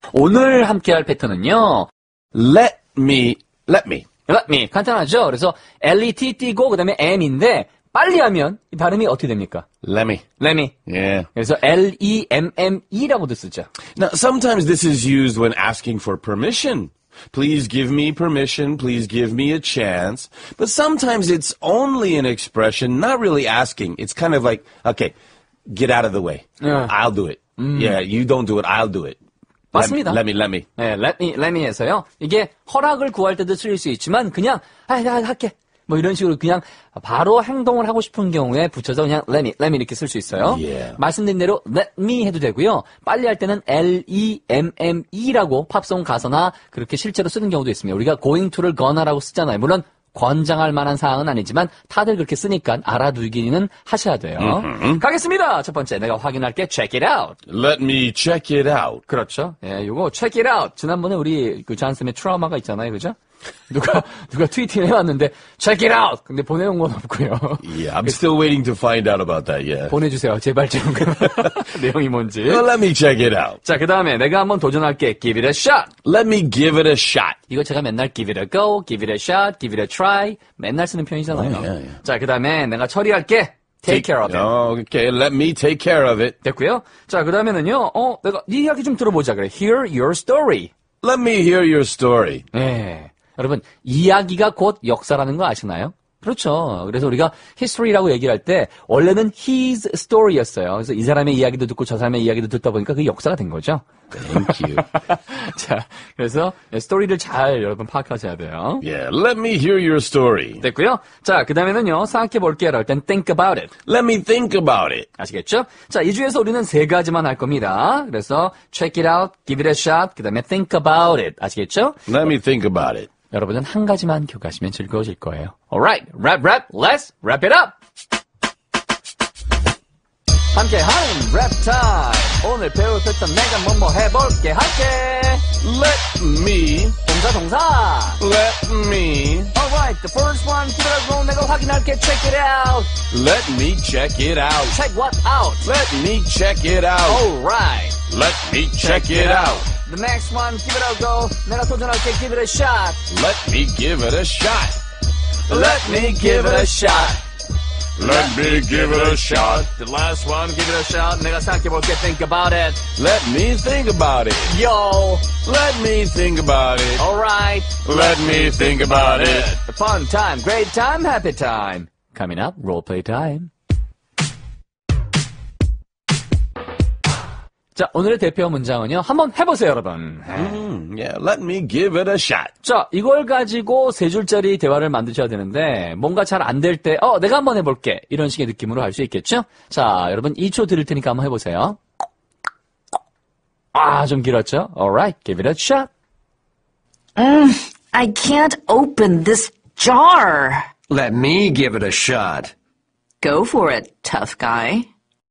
오늘 함께할 패턴은요. Let me. Let me. 간단하죠? 그래서 L-E-T 띄고 그다음에 M인데 빨리 하면 이 발음이 어떻게 됩니까? Let me. Let me. Yeah. 그래서 L-E-M-M-E라고도 쓰죠. Now, sometimes this is used when asking for permission. Please give me permission. Please give me a chance. But sometimes it's only an expression, not really asking. It's kind of like, okay, get out of the way. Yeah. I'll do it. Yeah, you don't do it. I'll do it. 맞습니다. Let me. 네, let me 해서요. 이게 허락을 구할 때도 쓰일 수 있지만 그냥 나 할게. 뭐 이런 식으로 그냥 바로 행동을 하고 싶은 경우에 붙여서 그냥 let me 이렇게 쓸 수 있어요. Yeah. 말씀드린 대로 let me 해도 되고요. 빨리 할 때는 L-E-M-M-E라고 팝송 가서나 그렇게 실제로 쓰는 경우도 있습니다. 우리가 going to를 gona라고 쓰잖아요. 물론 권장할 만한 사항은 아니지만 다들 그렇게 쓰니까 알아두기는 하셔야 돼요. 가겠습니다. 첫 번째 내가 확인할게. Check it out. Let me check it out. 그렇죠. 예, 요거 check it out. 지난번에 우리 그 잔쌤의 트라우마가 있잖아요. 그죠? 누가 트위팅을 해왔는데 check it out. 근데 보내온 건 없고요. Yeah, I'm still waiting to find out about that, yeah. 보내주세요. 제발 좀. 내용이 뭔지. Well, let me check it out. 자, 그 다음에 내가 한번 도전할게. Give it a shot. Let me give it a shot. 이거 제가 맨날 give it a go, give it a shot, give it a try. 맨날 쓰는 표현이잖아요. yeah. 자, 그 다음에 내가 처리할게. Take care of it. Oh, okay, let me take care of it. 됐고요. 자, 그 다음에는요. 내가 네 이야기 좀 들어보자. 그래. Hear your story. Let me hear your story. 네. 여러분, 이야기가 곧 역사라는 거 아시나요? 그렇죠. 그래서 우리가 history라고 얘기를 할 때 원래는 his story였어요. 그래서 이 사람의 이야기도 듣고 저 사람의 이야기도 듣다 보니까 그게 역사가 된 거죠. Thank you. 자, 그래서 스토리를 잘 여러분 파악하셔야 돼요. Yeah, let me hear your story. 됐고요. 자, 그 다음에는요. 생각해 볼게요. 할 땐 think about it. Let me think about it. 아시겠죠? 자, 이 중에서 우리는 세 가지만 할 겁니다. 그래서 check it out, give it a shot, 그 다음에 think about it. 아시겠죠? Let me think about it. 여러분은 한 가지만 기억하시면 즐거워질 거예요. Alright, rap, let's wrap it up! 함께하는 랩 타임! 오늘 배울 패턴 내가 뭐뭐 해볼게 할게! Let me. 동사. Let me. Alright, the first one, 기다려줘. 내가 확인할게. Check it out. Let me check it out. Check what out? Let me check it out. Alright. Let me check it out. The next one, give it a go. 내가 도전할게. Give it a shot. Let me give it a shot. Let me give it a shot. Let me give it a shot. The last one, give it a shot. 내가 생각해볼게. Think about it. Let me think about it. Yo. Let me think about it. Alright. Let me think about it. A fun time, great time, happy time. Coming up, role play time. 자, 오늘의 대표 문장은요. 한번 해보세요, 여러분. Yeah, let me give it a shot. 자, 이걸 가지고 세 줄짜리 대화를 만드셔야 되는데 뭔가 잘 안 될 때 내가 한번 해볼게. 이런 식의 느낌으로 할 수 있겠죠? 자, 여러분 2초 드릴 테니까 한번 해보세요. 좀 길었죠? Alright, give it a shot. I can't open this jar. Let me give it a shot. Go for it, tough guy.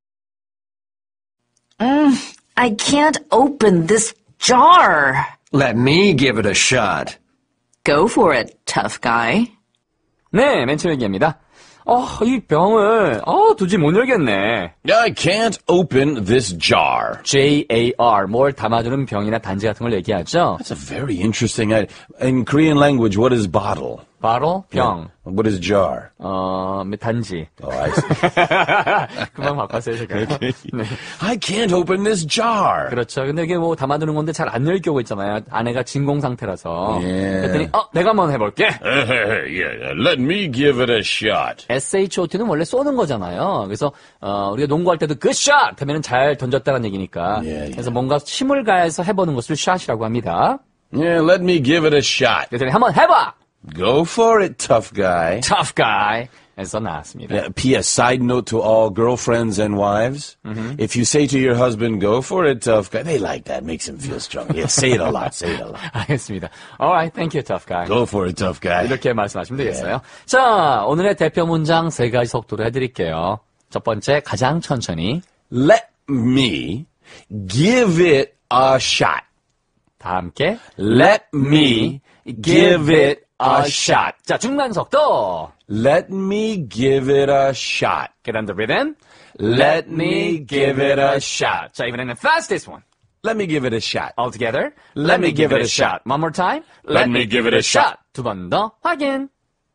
I can't open this jar. Let me give it a shot. Go for it, tough guy. 네, 맨 처음 얘기입니다. 이 병을, 도저히 못 열겠네. I can't open this jar. Jar, 뭘 담아두는 병이나 단지 같은 걸 얘기하죠. That's a very interesting idea. In Korean language, what is bottle? 바로 병. What is jar? 단지. Oh, I see. 그만 바꿨어요, 제가. 네. I can't open this jar. 그렇죠. 근데 이게 뭐 담아두는 건데 잘 안 열 경우 있잖아요. 아내가 진공 상태라서. 예. 그랬더니, 내가 한번 해볼게. Yeah, let me give it a shot. SHOT는 원래 쏘는 거잖아요. 그래서, 우리가 농구할 때도 good shot! 하면은 잘 던졌다는 얘기니까. 예. 그래서 뭔가 힘을 가해서 해보는 것을 shot이라고 합니다. Yeah, let me give it a shot. 그랬더니 한번 해봐! Go for it, tough guy. tough guy. 에서 나왔습니다. Yeah, P.S. Side note to all girlfriends and wives. If you say to your husband, go for it, tough guy, they like that. Makes him feel strong. Yeah, say it a lot. Say it a lot. 알겠습니다. Alright, thank you, tough guy. Go for it, tough guy. 이렇게 말씀하시면 되겠어요. 자, 오늘의 대표 문장 세 가지 속도로 해드릴게요. 첫 번째, 가장 천천히. Let me give it a shot. 다 함께. Let me give it a shot. 자, 중간 속도. Let me give it a shot. Get on the rhythm. Let me give it a shot. 자, 이번에는 fastest one. Let me give it a shot. All together. Let me give it a shot. One more time. Let me give it a shot. 두 번 더 확인.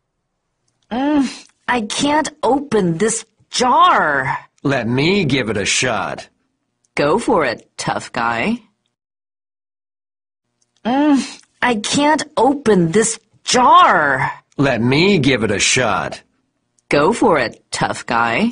I can't open this jar. Let me give it a shot. Go for it, tough guy. I can't open this jar. Let me give it a shot. Go for it, tough guy.